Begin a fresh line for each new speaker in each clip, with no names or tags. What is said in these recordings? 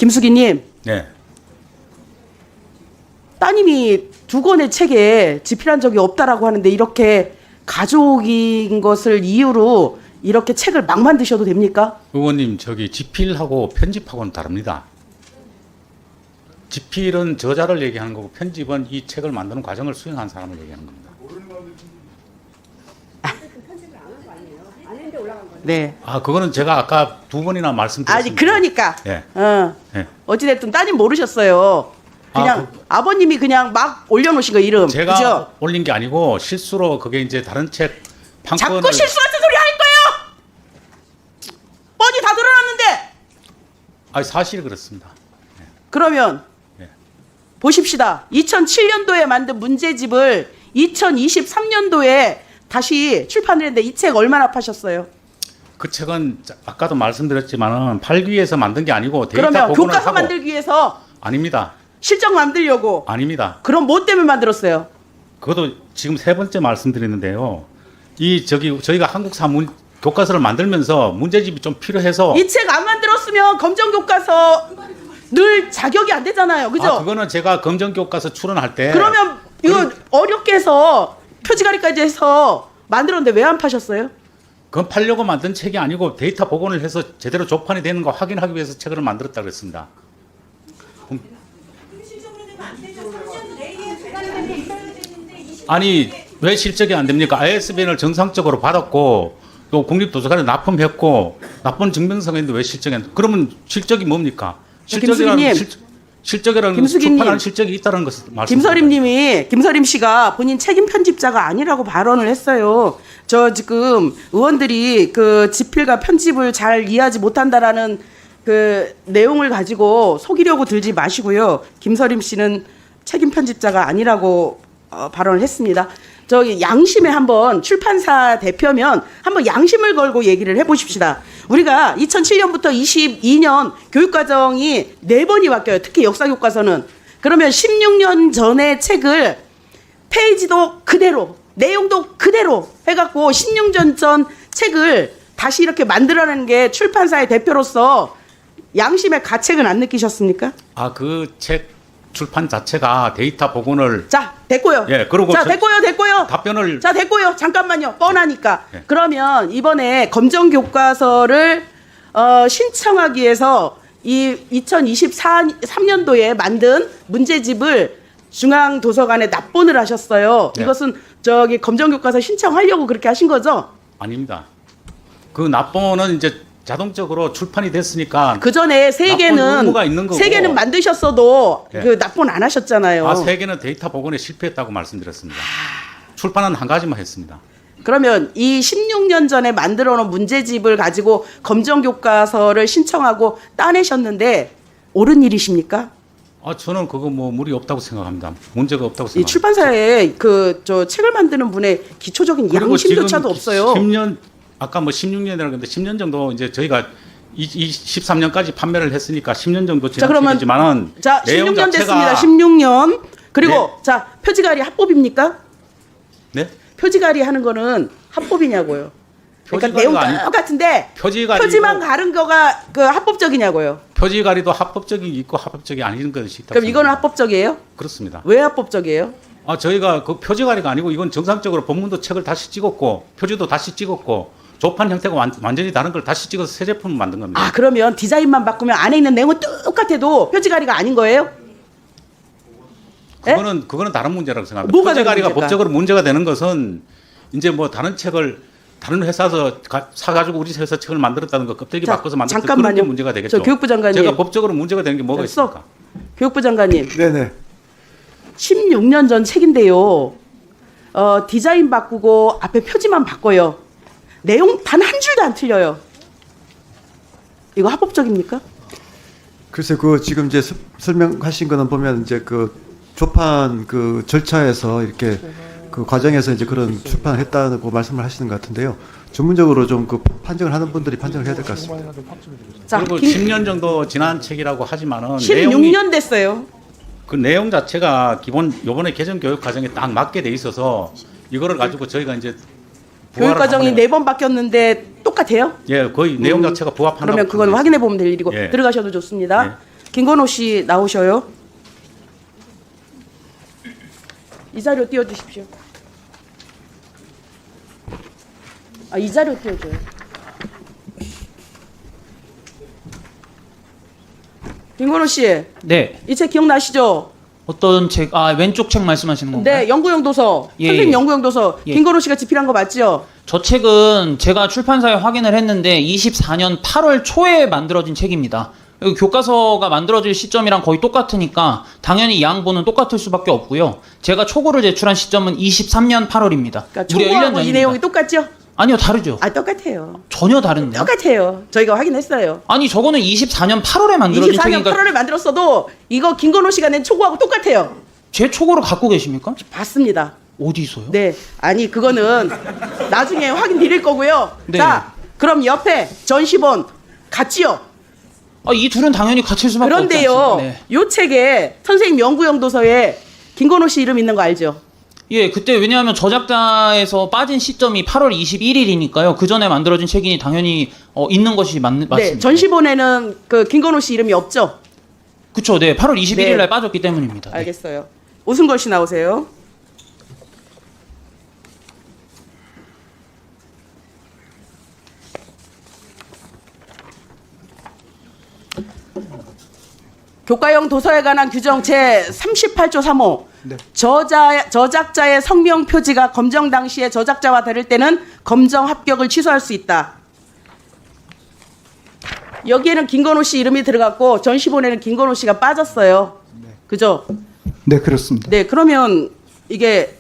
김수기님,
네.
따님이 두 권의 책에 집필한 적이 없다라고 하는데 이렇게 가족인 것을 이유로 이렇게 책을 막 만드셔도 됩니까?
의원님, 저기 집필하고 편집하고는 다릅니다. 집필은 저자를 얘기하는 거고 편집은 이 책을 만드는 과정을 수행한 사람을 얘기하는 겁니다.
네.
아, 그거는 제가 아까 두 번이나 말씀드렸습니다.
아니 그러니까.
예.
예. 어찌됐든 따님 모르셨어요. 그냥 아버님이 그냥 막 올려놓으신 거 이름.
제가
그죠?
올린 게 아니고 실수로 그게 이제 다른 책 판권을
자꾸 실수 같은 소리 할 거예요. 뻔히 다 드러났는데.
아니 사실이 그렇습니다.
그러면
예.
보십시다. 2007년도에 만든 문제집을 2023년도에 다시 출판을 했는데 이 책 얼마나 파셨어요?
그 책은 아까도 말씀드렸지만은 팔기 위해서 만든 게 아니고 데이터
그러면
복원을
교과서
하고
만들기 위해서
아닙니다.
실적 만들려고.
아닙니다.
그럼 뭐 때문에 만들었어요?
그것도 지금 세 번째 말씀드리는데요. 저희가 한국사 교과서를 만들면서 문제집이 좀 필요해서
이 책 안 만들었으면 검정 교과서 늘 자격이 안 되잖아요. 그죠?
아, 그거는 제가 검정 교과서 출원할 때
그러면 이거 어렵게 해서 표지가리까지 해서 만들었는데 왜 안 파셨어요?
그건 팔려고 만든 책이 아니고 데이터 복원을 해서 제대로 조판이 되는 거 확인하기 위해서 책을 만들었다 그랬습니다. 아니 왜 실적이 안 됩니까? ISBN을 정상적으로 받았고 또 국립도서관에 납품했고 납품 증명서가 있는데 왜 실적이 안 돼? 그러면 실적이 뭡니까? 실적이라는 것은 출판하는 실적이 있다는 것을 말씀드립니다.
김서림 씨가 본인 책임 편집자가 아니라고 발언을 했어요. 저 지금 의원들이 그 집필과 편집을 잘 이해하지 못한다라는 그 내용을 가지고 속이려고 들지 마시고요. 김서림 씨는 책임 편집자가 아니라고 발언을 했습니다. 저기 양심에 한번 출판사 대표면 한번 양심을 걸고 얘기를 해보십시다. 우리가 2007년부터 22년 교육과정이 4번이 바뀌어요. 특히 역사교과서는. 그러면 16년 전의 책을 페이지도 그대로 내용도 그대로 해갖고 16년 전 책을 다시 이렇게 만들어내는 게 출판사의 대표로서 양심의 가책은 안 느끼셨습니까?
아, 그 책 출판 자체가 데이터 복원을
자, 됐고요.
예, 그리고
자, 됐고요.
답변을
자, 됐고요. 잠깐만요. 뻔하니까.
예.
그러면 이번에 검정 교과서를 신청하기 위해서 이 2023년도에 만든 문제집을 중앙도서관에 납본을 하셨어요.
네.
이것은 저기 검정 교과서 신청하려고 그렇게 하신 거죠?
아닙니다. 그 납본은 이제 자동적으로 출판이 됐으니까
그 전에 세 개는 만드셨어도
네.
그 납본 안 하셨잖아요.
아, 세 개는 데이터 복원에 실패했다고 말씀드렸습니다. 출판은 한 가지만 했습니다.
그러면 이 16년 전에 만들어 놓은 문제집을 가지고 검정 교과서를 신청하고 따내셨는데 옳은 일이십니까?
아, 저는 그거 뭐 무리 없다고 생각합니다. 문제가 없다고
이
생각합니다.
출판사에 그 저 책을 만드는 분의 기초적인 양심조차도 없어요.
10년 아까 뭐 16년이라고 했는데 10년 정도 이제 저희가 23년까지 판매를 했으니까 10년 정도 지난 책이지만은
자,
내용
16년 됐습니다.
자체가
16년. 그리고
네.
자, 표지가리 합법입니까?
네?
표지가리 하는 거는 합법이냐고요. 그러니까 내용 똑같은데 표지만 가른 거가 그 합법적이냐고요.
표지가리도 합법적이 있고 합법적이 아닌 것이 있다.
그럼 이거는 합법적이에요?
그렇습니다.
왜 합법적이에요?
아, 저희가 그 표지가리가 아니고 이건 정상적으로 본문도 책을 다시 찍었고 표지도 다시 찍었고 조판 형태가 완전히 다른 걸 다시 찍어서 새 제품을 만든 겁니다.
아, 그러면 디자인만 바꾸면 안에 있는 내용은 똑같아도 표지가리가 아닌 거예요?
그거는 다른 문제라고 생각합니다.
뭐가
표지가리가
다른 문제일까?
법적으로 문제가 되는 것은 이제 뭐 다른 책을 다른 회사에서 사가지고 우리 회사 책을 만들었다는 거 껍데기 바꿔서 만들었다 그런 게 문제가 되겠죠.
저 교육부 장관님.
제가 법적으로 문제가 되는 게 뭐가 있습니까?
교육부 장관님.
네네.
16년 전 책인데요. 디자인 바꾸고 앞에 표지만 바꿔요. 내용 단 한 줄도 안 틀려요. 이거 합법적입니까?
글쎄 그 지금 이제 설명하신 거는 보면 이제 그 조판 그 절차에서 이렇게 그 과정에서 이제 그런 출판을 했다고 말씀을 하시는 것 같은데요. 전문적으로 좀 그 판정을 하는 분들이 판정을 해야 될 것 같습니다.
자,
그리고 10년 정도 지난 책이라고 하지만은
16년 됐어요.
그 내용 자체가 기본 요번에 개정 교육 과정에 딱 맞게 돼 있어서 이거를 가지고 저희가 이제
교육 과정이 4번 바뀌었는데 똑같아요?
예, 거의 내용 자체가 부합한다고.
그러면 그건 확인해 보면 될 일이고
예.
들어가셔도 좋습니다.
예.
김건호 씨 나오셔요. 이 자료 띄워주십시오. 이 자료 띄워줘요. 김건호 씨,
네.
이 책 기억나시죠?
어떤 책? 왼쪽 책 말씀하시는 건가요?
네, 연구용 도서.
예,
선생님
예.
연구용 도서.
예.
김건호 씨가 집필한 거 맞죠?
저 책은 제가 출판사에 확인을 했는데 24년 8월 초에 만들어진 책입니다. 여기 교과서가 만들어질 시점이랑 거의 똑같으니까 당연히 양보는 똑같을 수밖에 없고요. 제가 초고를 제출한 시점은 23년 8월입니다.
그러니까 초고하고 이 내용이 똑같죠?
아니요, 다르죠.
똑같아요.
전혀 다른데요.
똑같아요. 저희가 확인했어요.
아니, 저거는 24년 8월에 만들어진
24년
책이니까
8월에 만들었어도 이거 김건호 씨가 낸 초고하고 똑같아요.
제 초고를 갖고 계십니까?
봤습니다.
어디서요?
네. 아니 그거는 나중에 확인 드릴 거고요.
네.
자, 그럼 옆에 전시본 같지요?
이 둘은 당연히 같을 수밖에 없지
그런데요.
않습니까? 네.
요 책에 선생님 연구용 도서에 김건호 씨 이름 있는 거 알죠?
예, 그때 왜냐하면 저작자에서 빠진 시점이 8월 21일이니까요. 그 전에 만들어진 책이니 당연히 있는 것이 맞습니다.
네. 전시본에는 그 김건호 씨 이름이 없죠?
그쵸, 네. 8월 21일
네.
날 빠졌기 때문입니다. 네.
알겠어요. 오승걸 씨 나오세요. 교과용 도서에 관한 규정 제 38조 3호.
네.
저작자의 성명 표지가 검정 당시에 저작자와 다를 때는 검정 합격을 취소할 수 있다. 여기에는 김건호 씨 이름이 들어갔고 전시본에는 김건호 씨가 빠졌어요. 그죠?
네, 그렇습니다.
네, 그러면 이게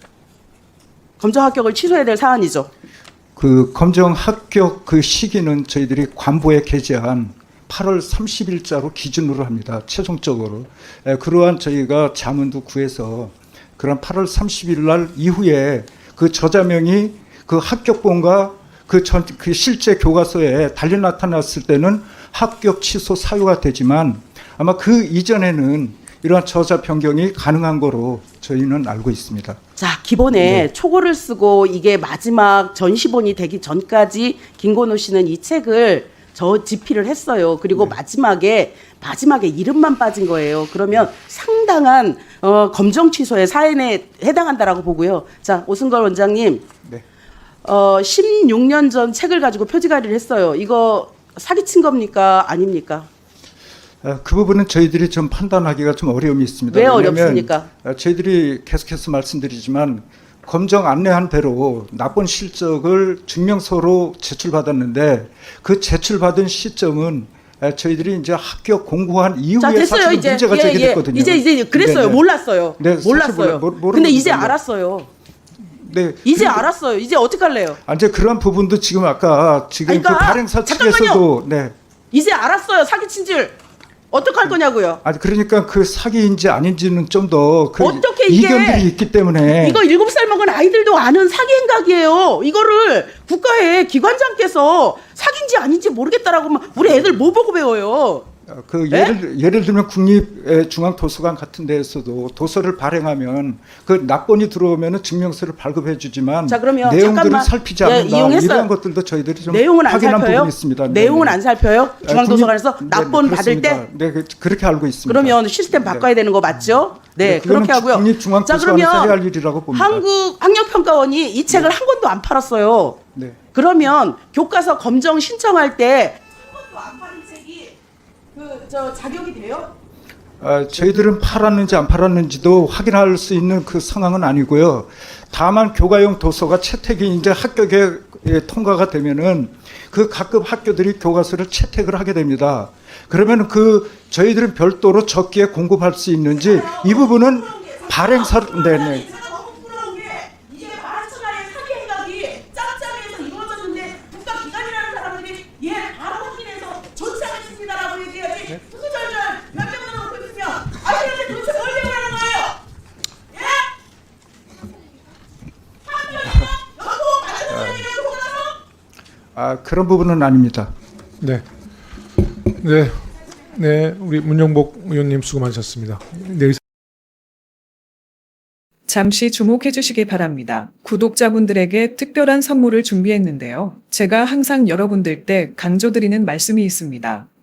검정 합격을 취소해야 될 사안이죠.
그 검정 합격 그 시기는 저희들이 관보에 게재한 8월 30일자로 기준으로 합니다. 최종적으로. 그러한 저희가 자문도 구해서 그런 8월 30일 날 이후에 그 저자명이 그 합격본과 그 실제 교과서에 달리 나타났을 때는 합격 취소 사유가 되지만 아마 그 이전에는 이러한 저자 변경이 가능한 거로 저희는 알고 있습니다.
자, 기본에 초고를 쓰고 이게 마지막 전시본이 되기 전까지 김건호 씨는 이 책을 집필을 했어요. 그리고 마지막에 이름만 빠진 거예요. 그러면 상당한 검정 취소의 사연에 해당한다라고 보고요. 자, 오승걸 원장님.
네.
16년 전 책을 가지고 표지가리를 했어요. 이거 사기친 겁니까? 아닙니까?
그 부분은 저희들이 좀 판단하기가 좀 어려움이 있습니다.
왜
왜냐하면
어렵습니까?
저희들이 계속해서 말씀드리지만 검정 안내한 대로 납본 실적을 증명서로 제출받았는데 그 제출받은 시점은 저희들이 이제 합격 공고한
자,
이후에
됐어요.
사실
이제
문제가 제기됐거든요.
이제 그랬어요.
네네.
몰랐어요.
네, 사실
몰랐어요.
모르는
근데 이제
부분이요.
알았어요.
네.
이제 알았어요. 이제 어떡할래요?
이제 그런 부분도 지금 아까 지금
그러니까
그 발행사
잠깐만요.
측에서도 네.
이제 알았어요. 사기친 줄. 어떡할 거냐고요?
그러니까 그 사기인지 아닌지는 좀 더 그
어떻게 이게
이견들이 있기 때문에
이거 7살 먹은 아이들도 아는 사기 행각이에요. 이거를 국가의 기관장께서 사기인지 아닌지 모르겠다라고 하면 우리 애들 뭐 보고 배워요?
그
네?
예를 들면 국립중앙도서관 같은 데에서도 도서를 발행하면 그 납본이 들어오면은 증명서를 발급해 주지만
자, 그러면
내용들을
잠깐만.
살피지
예,
않는다.
이용했어요.
이러한 것들도 저희들이 좀
내용은 안
확인한
살펴요?
부분이 있습니다.
내용은
네네.
안 살펴요? 중앙도서관에서
국립-
납본
네네,
받을 때?
그렇습니다. 네, 그렇게 알고 있습니다.
그러면 시스템 바꿔야 되는 거 맞죠? 네,
그거는
그렇게 하고요. 자,
국립중앙도서관에서 해야 할 일이라고 봅니다.
한국학력평가원이 이 책을 한 권도 안 팔았어요.
네.
그러면 교과서 검정 신청할 때 한 권도 안 팔은 책이 자격이 돼요?
저희들은 팔았는지 안 팔았는지도 확인할 수 있는 그 상황은 아니고요. 다만 교과용 도서가 채택이 이제 합격에 통과가 되면은 그 각급 학교들이 교과서를 채택을 하게 됩니다. 그러면 그 저희들은 별도로 적기에 공급할 수 있는지 이 부분은 발행사 네네.
제가 너무 부끄러운 게 이게 만천하의 사기 행각이 짱짱해서 이루어졌는데 국가기관이라는 사람들이 바로 확인해서 조치하겠습니다라고 얘기해야지 후덜덜 몇 명만 놓고 있으면 아이들한테 도대체 뭘 배우라는 거예요? 예? 한 명이서 여도 받은 사람이라고 속아서
그런 부분은 아닙니다.
네. 네. 네, 우리 문영복 의원님 수고 많으셨습니다. 네,
잠시 주목해 주시기 바랍니다. 구독자분들에게 특별한 선물을 준비했는데요. 제가 항상 여러분들 때 강조드리는 말씀이 있습니다.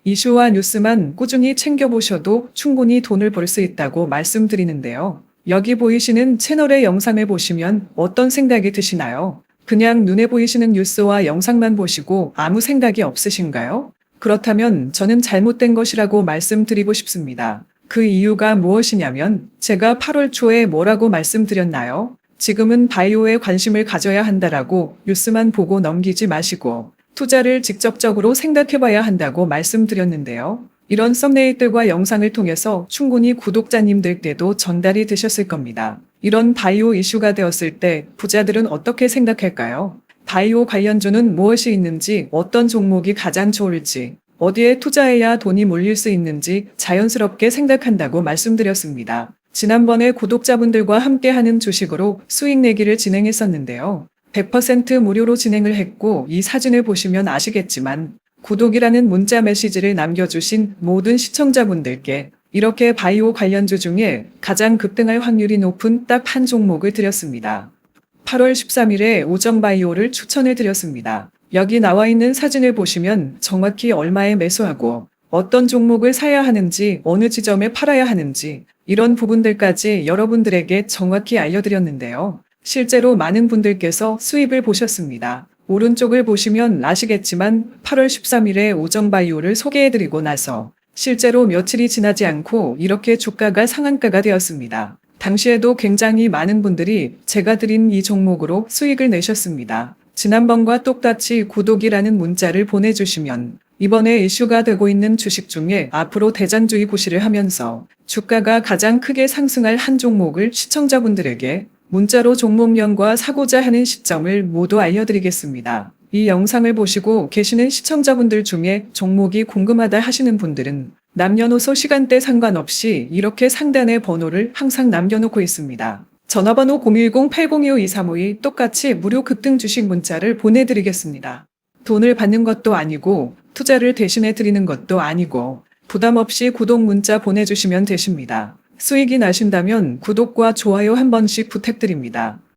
이슈와 뉴스만 꾸준히 챙겨보셔도 충분히 돈을 벌 수 있다고 말씀드리는데요. 여기 보이시는 채널의 영상을 보시면 어떤 생각이 드시나요? 그냥 눈에 보이시는 뉴스와 영상만 보시고 아무 생각이 없으신가요? 그렇다면 저는 잘못된 것이라고 말씀드리고 싶습니다. 그 이유가 무엇이냐면 제가 8월 초에 뭐라고 말씀드렸나요? 지금은 바이오에 관심을 가져야 한다라고 뉴스만 보고 넘기지 마시고 투자를 직접적으로 생각해봐야 한다고 말씀드렸는데요. 이런 썸네일들과 영상을 통해서 충분히 구독자님들께도 전달이 되셨을 겁니다. 이런 바이오 이슈가 되었을 때 부자들은 어떻게 생각할까요? 바이오 관련주는 무엇이 있는지, 어떤 종목이 가장 좋을지, 어디에 투자해야 돈이 몰릴 수 있는지 자연스럽게 생각한다고 말씀드렸습니다. 지난번에 구독자분들과 함께하는 주식으로 수익 내기를 진행했었는데요. 100% 무료로 진행을 했고 이 사진을 보시면 아시겠지만 구독이라는 문자 메시지를 남겨주신 모든 시청자분들께 이렇게 바이오 관련주 중에 가장 급등할 확률이 높은 딱 한 종목을 드렸습니다. 8월 13일에 오정바이오를 추천을 드렸습니다. 여기 나와 있는 사진을 보시면 정확히 얼마에 매수하고 어떤 종목을 사야 하는지, 어느 지점에 팔아야 하는지 이런 부분들까지 여러분들에게 정확히 알려드렸는데요. 실제로 많은 분들께서 수입을 보셨습니다. 오른쪽을 보시면 아시겠지만 8월 13일에 오정바이오를 소개해드리고 나서 실제로 며칠이 지나지 않고 이렇게 주가가 상한가가 되었습니다. 당시에도 굉장히 많은 분들이 제가 드린 이 종목으로 수익을 내셨습니다. 지난번과 똑같이 구독이라는 문자를 보내주시면 이번에 이슈가 되고 있는 주식 중에 앞으로 대장주의 구실을 하면서 주가가 가장 크게 상승할 한 종목을 시청자분들에게 문자로 종목명과 사고자 하는 시점을 모두 알려드리겠습니다. 이 영상을 보시고 계시는 시청자분들 중에 종목이 궁금하다 하시는 분들은 남녀노소 시간대 상관없이 이렇게 상단에 번호를 항상 남겨놓고 있습니다. 전화번호 010-802-5235이 똑같이 무료 급등 주식 문자를 보내드리겠습니다. 돈을 받는 것도 아니고 투자를 대신해 드리는 것도 아니고 부담 없이 구독 문자 보내주시면 되십니다. 수익이 나신다면 구독과 좋아요 한 번씩 부탁드립니다.